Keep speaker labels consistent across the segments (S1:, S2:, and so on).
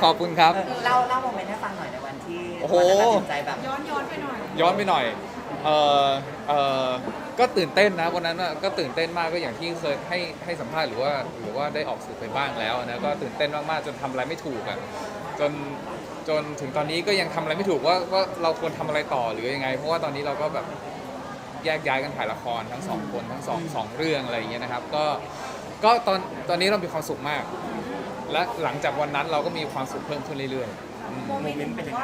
S1: อบคุณครับ
S2: เล่าโมเมนต์ให้ฟังหน่อยในวันที่
S1: โอ้โห
S2: ตัดสินใจแบบ
S3: ย้อนไปหน่อย
S1: ย้อนไปหน่อยเออเออก็ตื่นเต้นนะวันนั้นก็ตื่นเต้นมากก็อย่างที่เคยให้สัมภาษณ์หรือว่าได้ออกสื่อไปบ้างแล้วนะก็ตื่นเต้นมากๆจนทำอะไรไม่ถูกอ่ะจนถึงตอนนี้ก็ยังทำอะไรไม่ถูกว่าเราควรทำอะไรต่อหรือยังไงเพราะว่าตอนนี้เราก็แบบแยกย้ายกันถ่ายละครทั้งสองคนทั้งสองเรื่องอะไรอย่างเงี้ยนะครับก็ตอนนี้เรามีความสุขมาก และหลังจากวันนั้นเราก็มีความสุขเพิ่มขึ้นเรื่อยๆ
S3: โมเมนต์เป็นยังไง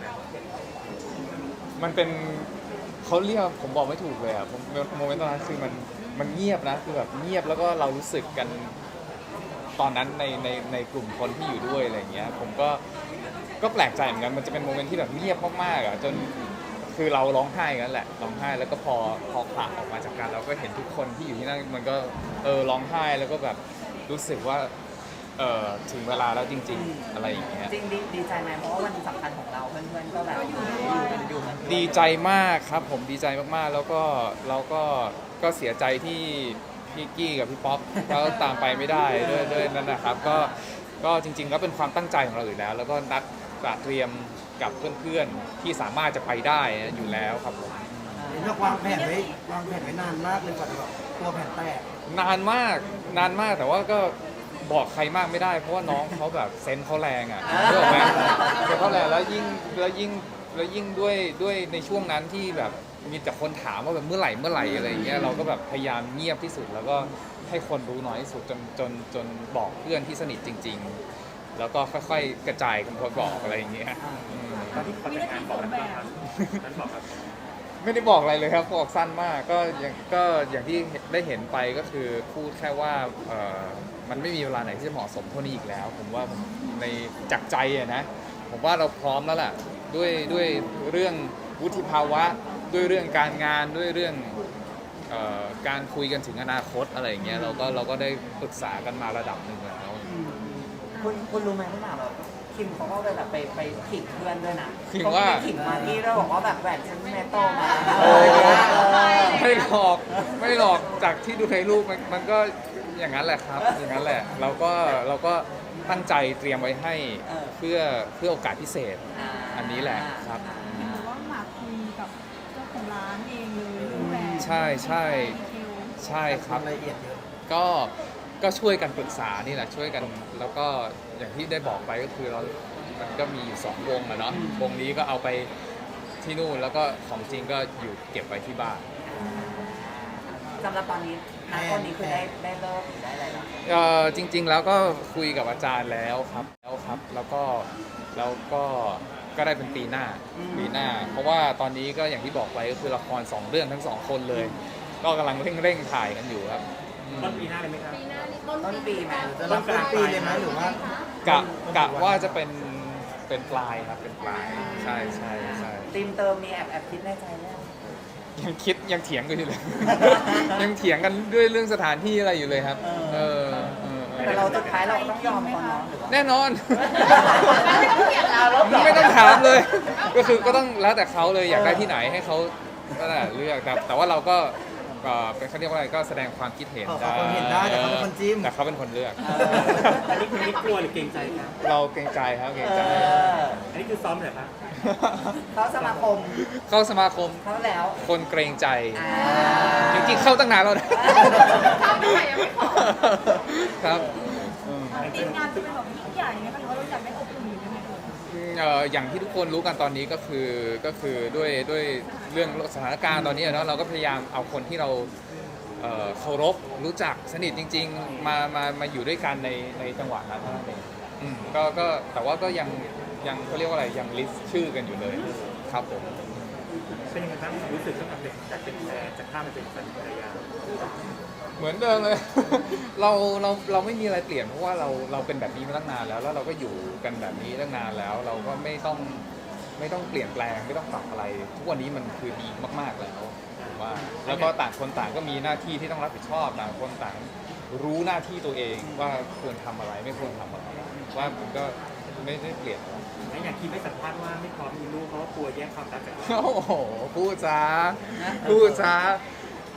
S1: มันเป็นเขาเรียกผมบอกไม่ถูกเลยอ่ะผมโมเมนต์ตอนนั้นคือมันเงียบนะคือแบบเงียบแล้วก็เรารู้สึกกันตอนนั้นในกลุ่มคนที่อยู่ด้วยอะไรอย่างเงี้ยผมก็แปลกใจเหมือนกันมันจะเป็นโมเมนต์ที่แบบเงียบมากๆอ่ะจนคือเราร้องไห้กันแหละร้องไห้แล้วก็พอผละออกมาจากกันเราก็เห็นทุกคนที่อยู่ที่นั่นมันก็ร้องไห้แล้วก็แบบรู้สึกว่าถึงเวลาแล้วจริงๆอะไรอย่างเงี้ย
S2: จริงดีใจไหมเพราะว่าวันสำคัญของเราเพื่อนๆก็แบบอยู่กัน
S1: ดีใจมากครับผมดีใจมากๆแล้วก็เราก็เสียใจที่พี่กี้กับพี่ป๊อปเขาตามไปไม่ได้ด้วยนั่นนะครับก็จริงๆแล้วเป็นความตั้งใจของเราอยู่แล้วแล้วก็นัดเตรียมกับเพื่อนๆที่สามารถจะไปได้อยู่แล้วครับผม
S4: เห็นว่าวางแผนไว้นานมากเลยกว่าจะแบบตัวแผนแตก
S1: นานมากแต่ว่าก็บอกใครมากไม่ได้เพราะว่าน้องเขาแบบเซนส์เขาแรงอ่ะรู้ไหมเซนส์เขาแรงแล้วยิ่งด้วยในช่วงนั้นที่แบบมีแต่คนถามว่าแบบเมื่อไหร่อะไรอย่างเงี้ยเราก็แบบพยายามเงียบที่สุดแล้วก็ให้คนรู้น้อยที่สุดจนบอกเพื่อนที่สนิทจริงๆแล้วก็ค่อยๆกระจายกันพอบอกอะไรอย่างเงี้ย
S3: ตอนที่ขอแต่งงานบอกอะไรบ้างครับนั้นบอกครับ
S1: ไม่ได้บอกอะไรเลยครับบอกสั้นมากก็อย่างที่ได้เห็นไปก็คือพูดแค่ว่ามันไม่มีเวลาไหนที่จะเหมาะสมเท่านี้อีกแล้วผมว่าผมในจากใจอะนะผมว่าเราพร้อมแล้วล่ะด้วยเรื่องวุฒิภาวะด้วยเรื่องการงานด้วยเรื่องการคุยกันถึงอนาคตอะไรอย่างเงี้ยเราก็ได้ปรึกษากันมาระดับหนึ่งแล้ว
S2: คุณรู้ไหมพี่หนาแบบคิมเขาก็เลยแบบไปขิงเพื่อนด้วยนะ
S1: ขิงว่า
S2: ขิงมาที่เราบอกว่าแบบแหวนฉันแม่โตมา
S1: ไม่หลอกจากที่ดูในรูปมันก็อย่างนั้นแหละครับอย่างนั้นแหละเราก็ตั้งใจเตรียมไว้ให้เพื่อโอกาสพิเศษอันนี้แหละครับ
S3: เห็นว่าหมากคุยกับเจ้าของร้านเองเลยดูแล
S1: ใช่ครับ
S4: ละเอียดเยอะ
S1: ก็ช่วยกันปรึกษานี่แหละช่วยกันแล้วก็อย่างที่ได้บอกไปก็คือมันก็มีอยู่2วงอะเนาะวงนี้ก็เอาไปที่นู่นแล้วก็ของจริงก็อยู่เก็บไว้ที่บ้าน
S2: สำหรับตอนนี้ตอนนี้คือได้เลิกหรือได้อะไรแล้ว
S1: จริงๆแล้วก็คุยกับอาจารย์แล้วครับแล้วก็ได้เป็นปีหน้าเพราะว่าตอนนี้ก็อย่างที่บอกไปก็คือละคร2เรื่องทั้ง2คนเลยก็กำลังเร่งถ่ายกันอยู่ครับ
S3: ต้นปีหน้าเลยไหมครับ
S2: ต้นปีไหม
S4: จะรับต้นปีเลยไหมหรือว่
S1: ากะว่าจะเป็นปลายครับเป็นปลายใช่
S2: ทีมเติมมีแอบคิดในใจแล้ว
S1: ยังเถียงกันอยู่เลย ยังเถียงกันด้วยเรื่องสถานที่อะไรอยู่เลยครับ
S2: แต่เราสุดท้ายเราต้องยอมเขาเนาะ
S1: แน่นอน
S2: ไม่
S1: ไม่ต้องถามเลย ก็คือก็ต้องแล้วแต่เขาเลยอยากได้ที่ไหนให้เขาก็ได้เลือกแต่ว่าเราก็เป็นเขาเรียกว่าอะไรก็แสดงความคิดเห็นได้
S4: แต่เขาเป็นคนจิ้ม
S1: แต่เขาเป็นคนเลือก
S3: อันนี้คุณนี่กลัวหรือเกรงใจครับ
S1: เราเกรงใจครับเกรงใจ
S3: อันนี้คือซ้อมเหรอครับ
S2: เข้าสมาคมเข้าแล้ว
S1: คนเกรงใจจริงๆเข้าตั้งนานแล้วนะ
S3: เข้าตั้งแต่ยังไม่ขอ
S1: ครับ
S3: ทีมงานจะเป็นแบบยิ่งใหญ่ไหมคะหรือว่าเราอยากได้อบอุ่นยังไง
S1: อย่างที่ทุกคนรู้กันตอนนี้ก็คือด้วยเรื่องสถานการณ์ตอนนี้เนาะเราก็พยายามเอาคนที่เราเคารพรู้จักสนิทจริงๆมาอยู่ด้วยกันในจังหวะนั้นเท่านั้นเองก็แต่ว่าก็ยังเขาเรียกว่าอะไรยังลิสต์ชื่อกันอยู่เลยครับผม
S3: เป็นยังไงบ้างรู้สึกตั้งแต่เด็กจากเป็นแฟนจากข้ามมาเป็นแฟนภรรยา
S1: เหมือนเดิมเลย เราไม่มีอะไรเปลี่ยนเพราะว่าเราเป็นแบบนี้มาตั้งนานแล้วเราก็อยู่กันแบบนี้ตั้งนานแล้วเราก็ไม่ต้องเปลี่ยนแปลงไม่ต้องปรับอะไรทุกวันนี้มันคือดีมากๆแล้วว่าแล้วก็ต่างคนต่างก็มีหน้าที่ที่ต้องรับผิดชอบต่างคนต่างรู้หน้าที่ตัวเองว่าควรทำอะไรไม่ควรทำอะไรว่ามันก็ไม่ได้เปลี่ยน
S3: อย่างคิดไม่สัมภาษณ์ว่าไม่พร้อมมีลูกเพราะว่ากลัวแย่งความรักจาก
S1: โอ้โหพูดซะ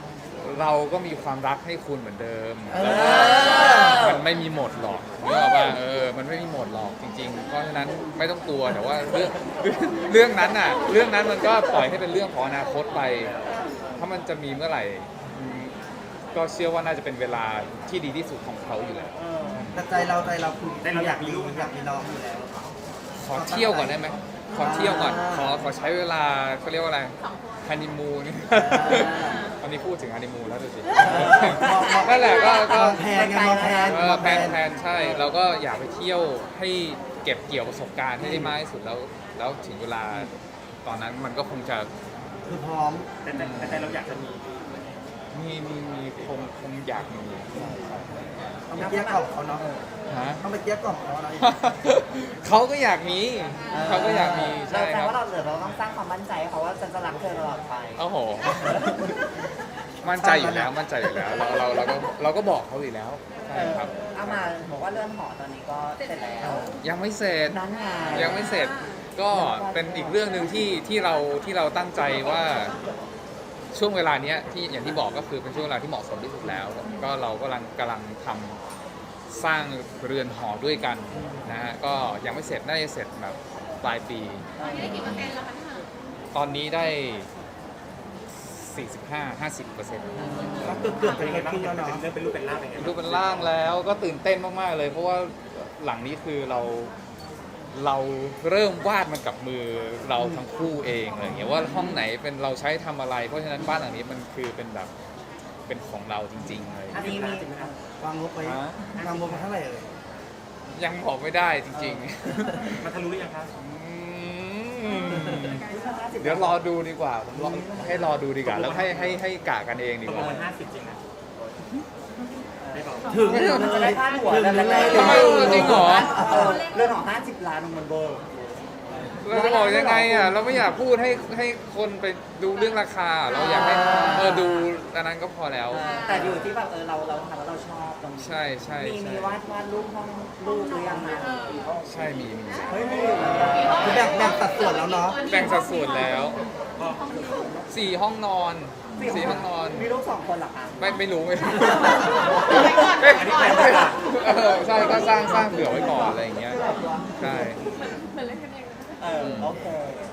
S1: เราก็มีความรักให้คุณเหมือนเดิม
S4: เออ
S1: มันไม่มีหมดหรอกนึกออกป่ะมันไม่มีหมดหรอกจริงๆ เพราะฉะนั้นไม่ต้องกลัวแต่ว่าเรื่องนั้นน่ะเรื่องนั้นมันก็ปล่อยให้เป็นเรื่องของอนาคตไป ถ้ามันจะมีเมื่อไหร่ก็เชื่อว่าน่าจะเป็นเวลาที่ดีที่สุดของเขาอยู่แล้ว
S4: แต่ใจเราคืออยากมีลูกอยากมีน้องอยู่แล้ว
S1: ขอเที่ยวก่อนได้ไหมขอเที่ยวก่อนขอใช้เวลาเขาเรียกว่าอะไรฮันนีมูนตอนนี้พูดถึงฮันนีมูนแล้วดูสินั่นแหละก็
S4: มองแพนไงมองแพน
S1: แพนใช่เราก็อยากไปเที่ยวให้เก็บเกี่ยวประสบการณ์ให้ได้มากที่สุดแล้วถึงเวลาตอนนั้นมันก็คงจะ
S4: คือพร้อม
S3: แต่เราอยากจะมี
S1: มีคงอยากมี
S4: ต้องไปเกลี้ยกล่อมเขาเนาะ
S1: ฮะ
S4: ต้องไปเกลี้ยกล่อมเขาเนาะ
S1: เขาก็อยากมีเขาก็อยากมี
S2: เรา
S1: ใช่
S2: แป
S1: ค
S2: ล
S1: รับ
S2: ว่าเราต้องสร้างความมั่นใจให้เขาว่าฉันจะรักเธอตลอดไป
S1: โอ้โห มั่นใจอยู่แล้วมั่นใจอยู่แล้วเราก็บอกเขาอยู่แล้วใช่ครับ
S2: เอามาบอกว่าเรื่องหอตอนนี้ก็เสร็จแล้ว
S1: ยังไม่เสร็จ
S2: นั้นไง
S1: ยังไม่เสร็จก็เป็นอีกเรื่องหนึ่งที่เราตั้งใจว่าช่วงเวลาเนี้ยที่อย่างที่บอกก็คือเป็นช่วงเวลาที่เหมาะสมที่สุดแล้ว ก็เรากำลังทำสร้างเรือนหอด้วยกันนะฮะก็ยังไม่เสร็จน่าจะเสร็จแบบปลายปี ตอนนี้ได้ 45-50%
S4: ก็เกือบ
S3: เป็น
S4: จะ
S3: ยังไงบ้าง
S4: ขึ้นแล้วเนาะ
S3: เป็นเรื่องเป็นรูปเป็นร่างเป็นยังไง
S1: รูปเป็นร่างแล้วก็ตื่นเต้นมากๆเลย เพราะว่าหลังนี้คือเราเริ่มวาดมันกับมือเราทั้งคู่เองอะไรอย่างเงี้ยว่าห้องไหนเป็นเราใช้ทำอะไร เพราะฉะนั้นบ้านหลังนี้มันคือเป็นแบบเป็นของเราจริงๆเลย
S2: อันนี้มี
S3: จริงไหมครับ
S4: วางงบไว้วางงบไว้เท่าไหร่เอ่ย
S1: ยังบอกไม่ได้จริง
S3: มันทะลุหรือยังครับ
S1: ๆเดี๋ยวรอดูดีกว่าผมให้รอดูดีกว่าแล้วให้กะกันเองดี
S3: ตก
S1: ก
S3: ล
S1: ว่า
S3: งมัน50 จริงนะไม่บอก
S4: ถึง
S2: มันจะได้พาดหัว
S4: ถึง
S2: แล้ว
S4: เลย
S1: ทำไมจริงเหรอ
S2: เรื่องของ50 ล้านมันเบอร์
S1: เราจะบอกยังไงอ่ะเราไม่อยากพูดให้คนไปดูเรื่องราคา เราอยากให้ดูอันนั้นก็พอแล้ว
S2: แต่อยู่ที่แบบเราทำแล้วเราชอบตรงนี้
S1: ใช่ใช่
S2: มี
S1: ใช่
S2: วาดรูปห้องรูปหรือยังนะ
S1: ใช่มี
S2: เฮ้ยมี
S4: คือแบ่งสัดส่วนแล้วเนาะ
S1: แบ่งสัดส่วนแล้ว4 ห้องนอน4 ห้องนอน
S2: มีลูก2 คนเหรอคะ
S1: ไม่รู้ไม่รู้
S3: อันนี้แพลนไว้ก่อน
S1: ใช่ก็สร้างเผื่อไว้ก่อนอะไรอย่างเงี้ยใช่
S2: โอเค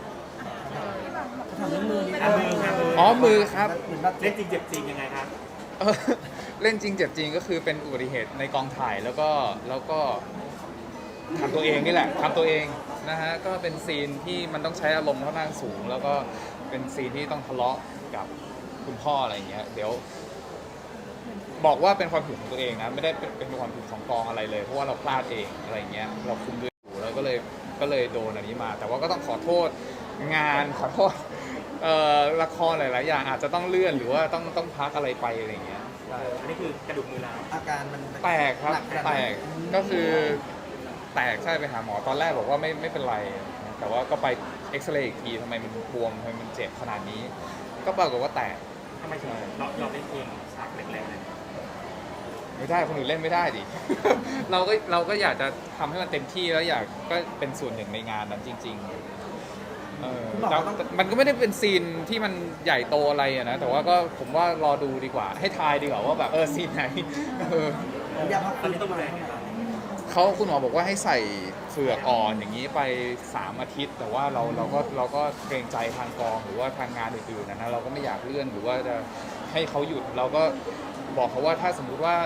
S4: ทำด้วยมือนี่
S3: มือครับ
S1: อ๋อมือครับ
S4: เหมือนแบบ
S3: เล่นจริงเจ็บจริงยังไงครับ
S1: เออเล่นจริงเจ็บจริงก็คือเป็นอุบัติเหตุในกองถ่ายแล้วก็ทำตัวเองนี่แหละทำตัวเองนะฮะก็เป็นซีนที่มันต้องใช้อารมณ์ค่อนข้างสูง แล้วก็เป็นซีนที่ต้องทะเลาะกับคุณพ่ออะไรอย่างเงี้ยเดี๋ยว บอกว่าเป็นความผิดของตัวเองนะไม่ได้เป็นความผิดของกองอะไรเลย เพราะว่าเราพลาดเองอะไรอย่างเงี้ยเราคุมด้วยอยู่แล้วก็เลยโดนอันนี้มา แต่ว่าก็ต้องขอโทษงานขอโทษละครหลายๆอย่างอาจจะต้องเลื่อนหรือว่าต้องพักอะไรไปอะไรอย่างเงี้ยใช่
S3: อันนี้คือกระดูกมือร้าว
S4: อาการมัน
S1: แตกครับ
S4: หนัขนาด
S1: แต
S4: ไหน
S1: กก็คือแตกใช่ไปหาหมอตอนแรกบอกว่าไม่เป็นไร แต่ว่าก็ไปเอ็กซเรย์อีกทีทำไมมันบวมทำไมมันเจ็บขนาดนี้ ก็ปรากฏว่าแตก
S3: ทำไมถึงเราเล่นเองฉากแรกๆเลย
S1: ไม่ได้คนอื่นเล่นไม่ได้ดิ เราก็อยากจะทำให้มันเต็มที่แล้วอยากก็เป็นส่วนหนึ่งในงานนั้นจริงๆแต่มันก็ไม่ได้เป็นซีนที่มันใหญ่โตอะไรอะนะแต่ว่าก็ผมว่ารอดูดีกว่า ให้ทายดีกว่าว่าแบบซีนไหน
S4: อยากพัก
S3: ตอนนี้ต้องดูแลไงบ้าง
S1: คุณหมอบอกว่าให้ใส่เฝือกอ่อนอย่างนี้ไป3 อาทิตย์ แต่ว่าเราก็เกรงใจทางกองหรือว่าทางงานอื่นๆนะเราก็ไม่อยากเลื่อนหรือว่าจะให้เขาหยุดเราก็บอกเขาว่าถ้าสมมุติว่า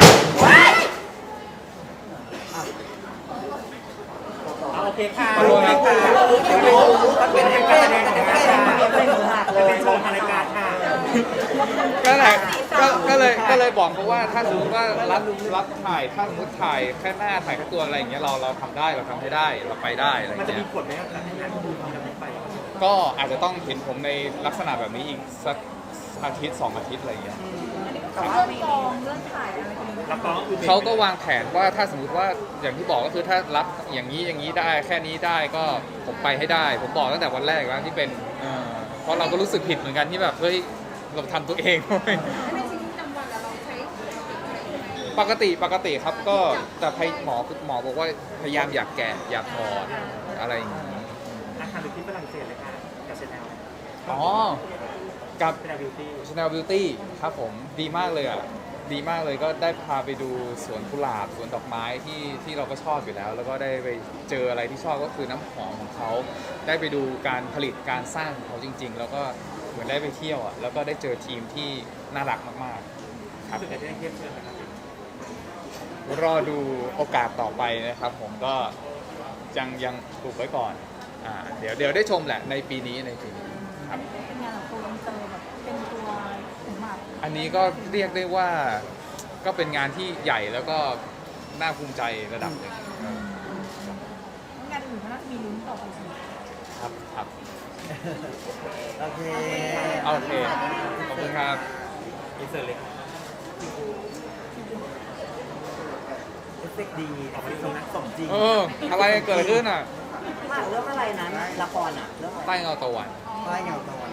S3: โอเคค่ะ
S1: ขอบคุณครับ
S3: เป็นการแสดงของการค่ะ
S2: เป็นมือหักเลย
S3: เป็นโชว์ทางรายการค่ะ
S1: ก็แหละก็เลยบอกเขาว่าถ้าสมมติว่ารับถ่ายถ้าสมมติถ่ายแค่หน้าถ่ายแค่ตัวอะไรอย่างเงี้ยเราทำได้เราทำให้ได้เราไปได้อะไรอ
S3: มัน
S1: ย่าง
S3: จะ
S1: เงี้
S3: มี
S1: ย
S3: ผลไหมครับในงานที่เราไม่ไป
S1: ก็อาจจะต้องเห็นผมในลักษณะแบบนี้อีกสักอาทิตย์2 อาทิตย์อะไรอย่างเงี้ย
S2: แต่ว่ามี
S3: รับรองคือ
S1: เขาก็วางแผนว่าถ้าสมมติว่าอย่างที่บอกก็คือถ้ารับอย่างนี้ได้แค่นี้ได้ก็ผมไปให้ได้ ผมบอกตั้งแต่วันแรกแล้วที่เป็นเพราะเราก็รู้สึกผิดเหมือนกันที่แบบเฮ้ยเราทำตัวเอง ปกติครับก็แต่หมอบอกว่าพยายามอยากแกะอยากถอดอะไรอย่างนี้
S3: อาคารอยู่ที่ฝรั่งเศสเลยค่ะกับเชนแนล
S1: อ๋อกับ
S3: เป็นบิวตี้
S1: Chanel Beauty ครับผมดีมากเลยอ่ะดีมากเลยก็ได้พาไปดูสวนกุหลาบสวนดอกไม้ที่เราก็ชอบอยู่แล้ว แล้วก็ได้ไปเจออะไรที่ชอบก็คือน้ำหอมของเขาได้ไปดูการผลิตการสร้างของเขาจริง ๆ แล้วก็เหมือนได้ไปเที่ยวอ่ะแล้วก็ได้เจอทีมที่น่ารักมากๆครับ
S3: รู้สึกจะได้เทียบเชิญนะครับ
S1: รอดูโอกาสต่อไปนะครับผมก็ยังปลูกไว้ก่อนเดี๋ยวได้ชมแหละในปีนี้ครับ
S5: เป็นงานของตัวอินเตอร์แบบเป็นตัวถึงหมาก
S1: อันนี้ก็เรียกได้ว่าก็เป็นงานที่ใหญ่แล้วก็น่าภูมิใจระดับหนึ่ง
S5: งานอื่นก็น่าจะมีลุ้นต่อไปสิ
S1: ครับ
S4: โอเค
S1: โอเคขอบคุณครับ
S3: อินเสิร์ตเลย
S4: เอฟเฟกต์ดีเอฟเฟกต์ดีสมจริง
S1: อะไรเกิดขึ้นอ่ะ
S2: เรื่องอะไรนะละครอ่ะเรื่องอะไร
S1: ใต้เงาตะวัน
S4: ใต้เงาตะวัน